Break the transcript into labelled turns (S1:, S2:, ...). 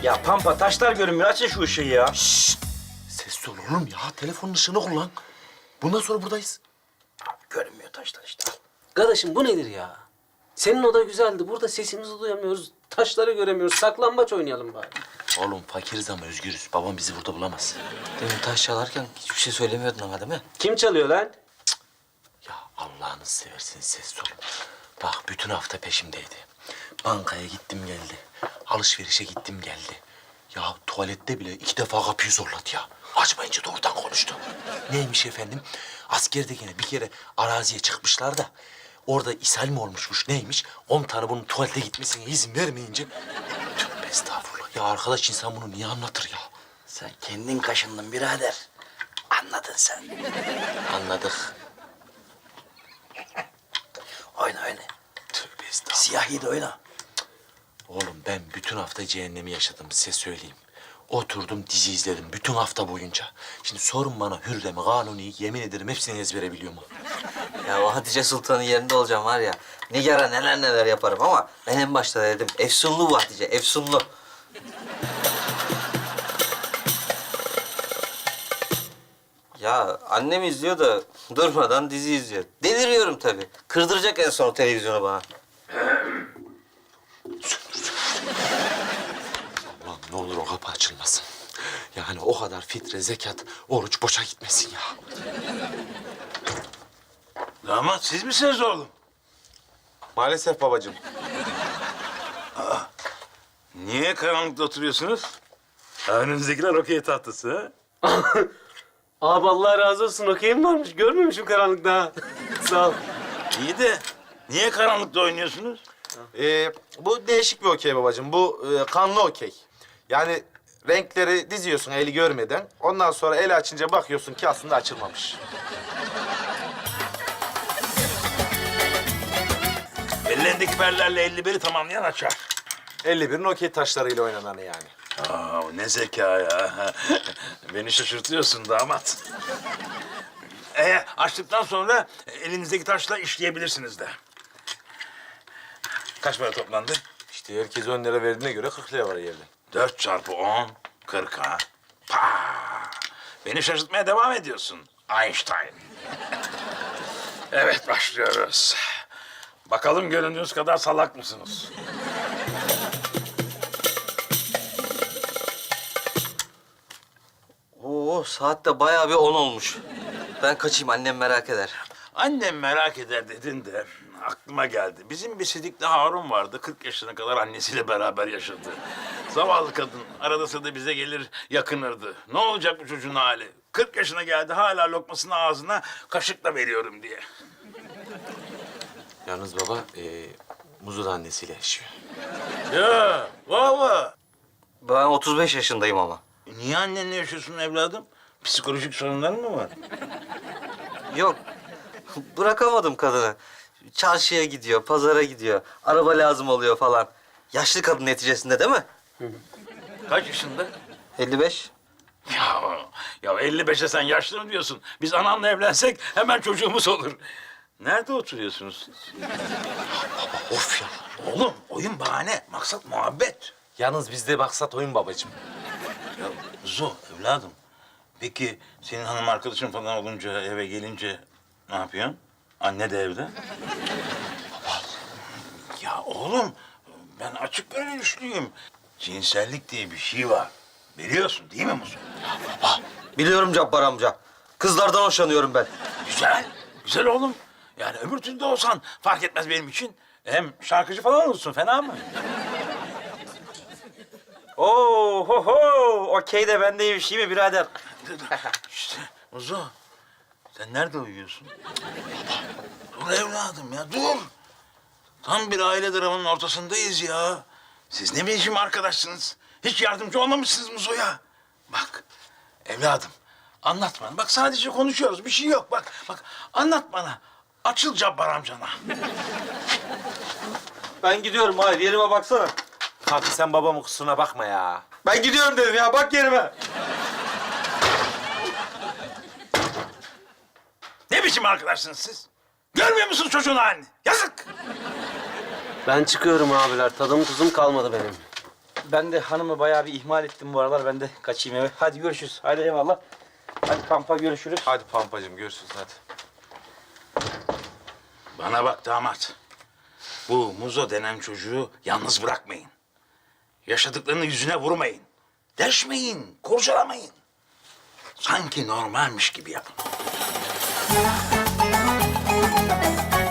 S1: Ya Pampa taşlar görünmüyor. Açın şu ışığı ya.
S2: Ses ol oğlum ya. Telefonun ışığını kullan. Bundan sonra buradayız.
S1: Görünmüyor taşlar işte.
S3: Kardeşim bu nedir ya? Senin oda güzeldi. Burada sesimizi duyamıyoruz. Taşları göremiyoruz. Saklambaç oynayalım bari.
S2: Oğlum fakiriz ama özgürüz. Babam bizi burada bulamaz.
S4: Demin taş çalarken hiçbir şey söylemiyordun ama değil mi?
S3: Kim çalıyor lan?
S2: Ya Allah'ını seversen ses ol. Bak bütün hafta peşimdeydi. Bankaya gittim geldi. Alışverişe gittim geldi. Ya tuvalette bile 2 defa kapıyı zorladı ya. Açmayınca doğrudan konuştu. Neymiş efendim? Askerdekine bir kere araziye çıkmışlar da... ...orada ishal mi olmuşmuş neymiş? 10 tane bunun tuvalete gitmesine izin vermeyince... Tövbe estağfurullah. Ya arkadaş insan bunu niye anlatır ya?
S1: Sen kendin kaşındın birader. Anladın sen.
S2: Anladık.
S1: Oyna oyna.
S2: Tövbe estağfurullah.
S1: Siyahi de oyna.
S2: Oğlum ben bütün hafta cehennemi yaşadım size söyleyeyim. Oturdum dizi izledim bütün hafta boyunca. Şimdi sorun bana Hürrem'i, Kanuni'yi yemin ederim hepsini ezbere biliyorum.
S4: Ya o Hatice Sultan'ın yerinde olacağım var ya. Nigar'a neler neler yaparım ama ben en başta dedim. Efsunlu bu Hatice, efsunlu. Ya annem izliyor da durmadan dizi izliyor. Deliriyorum tabii. Kırdıracak en son o televizyonu bana.
S2: Ulan ne olur o kapı açılmasın. Yani o kadar fitre, zekat, oruç boşa gitmesin ya.
S5: Damat siz misiniz oğlum?
S6: Maalesef babacığım.
S5: Niye karanlıkta oturuyorsunuz? Önünüzdekiler okey tahtası ha?
S3: Abi Allah razı olsun. Okeyim varmış. Görmemişim karanlıkta. ha. Sağ ol.
S5: İyi de niye karanlıkta oynuyorsunuz?
S6: Bu değişik bir okey babacığım. Bu kanlı okey. Yani renkleri diziyorsun eli görmeden. Ondan sonra eli açınca bakıyorsun ki aslında açılmamış.
S5: Ellerindeki perlerle 51'i tamamlayan açar.
S6: 51'in okey taşlarıyla oynananı yani.
S5: Aa, ne zeka ya. Beni şaşırtıyorsun damat. Açtıktan sonra elinizdeki taşla işleyebilirsiniz de. Kaç para toplandı?
S6: İşte herkes 10 lira verdiğine göre 40 lira var yerde.
S5: 4 çarpı 10, 40 ha. Pa! Beni şaşırtmaya devam ediyorsun Einstein. Evet, başlıyoruz. Bakalım göründüğünüz kadar salak mısınız?
S4: Oo saat de bayağı bir 10 olmuş. Ben kaçayım annem merak eder.
S5: Annem merak eder dedin de aklıma geldi. Bizim bir Sidikli Harun vardı. 40 yaşına kadar annesiyle beraber yaşadı. Zavallı kadın. Arada sırada bize gelir yakınırdı. Ne olacak bu çocuğun hali? 40 yaşına geldi hala lokmasını ağzına kaşıkla veriyorum diye.
S2: Yalnız baba, Muzu da annesiyle yaşıyor.
S5: Ya valla.
S4: Ben 35 yaşındayım ama.
S5: Niye annenle yaşıyorsun evladım? Psikolojik sorunların mı var?
S4: Yok. Bırakamadım kadını. Çarşıya gidiyor, pazara gidiyor. Araba lazım oluyor falan. Yaşlı kadın neticesinde değil mi?
S5: Kaç yaşında?
S4: 55.
S5: Ya 55'e sen yaşlı mı diyorsun? Biz anamla evlensek hemen çocuğumuz olur. Nerede oturuyorsunuz siz?
S2: Of ya.
S5: Oğlum oyun bahane, maksat muhabbet.
S6: Yalnız bizde maksat oyun babacığım.
S5: Ya Zo evladım. Peki senin hanım arkadaşın falan olunca eve gelince ne yapıyorsun? Anne de evde. Ya oğlum ben açık görüşlüyüm. Cinsellik diye bir şey var. Biliyorsun değil mi Muzo?
S4: Biliyorum Cabbar amca. Kızlardan hoşlanıyorum ben.
S5: Güzel, güzel oğlum. Yani öbür türlü de olsan fark etmez benim için. Hem şarkıcı falan olursun, fena mı?
S1: Oo ho ho. Okey de bende iyi bir şey mi birader?
S5: İşte Muzo, sen nerede uyuyorsun? Dur evladım ya, dur. Tam bir aile dramının ortasındayız ya. Siz ne biçim arkadaşsınız? Hiç yardımcı olmamışsınız Muzo'ya. Bak, evladım, anlat bana. Bak sadece konuşuyoruz, bir şey yok. Bak, anlat bana. Açıl Cabbar amcana.
S3: Ben gidiyorum. Hayır yerime baksana.
S6: Kanka sen babamın kusuruna bakma ya.
S3: Ben gidiyorum dedim ya. Bak yerime.
S5: Ne biçim arkadaşsınız siz? Görmüyor musunuz çocuğun halini? Yazık.
S3: Ben çıkıyorum abiler. Tadım tuzum kalmadı benim.
S1: Ben de hanımı bayağı bir ihmal ettim bu aralar. Ben de kaçayım eve. Hadi görüşürüz. Hadi eyvallah. Hadi kampa görüşürüz.
S6: Hadi Pampacığım görüşürüz hadi.
S5: Bana bak damat. Bu Muzo denen çocuğu yalnız bırakmayın. Yaşadıklarını yüzüne vurmayın. Deşmeyin, kurcalamayın. Sanki normalmiş gibi yapın.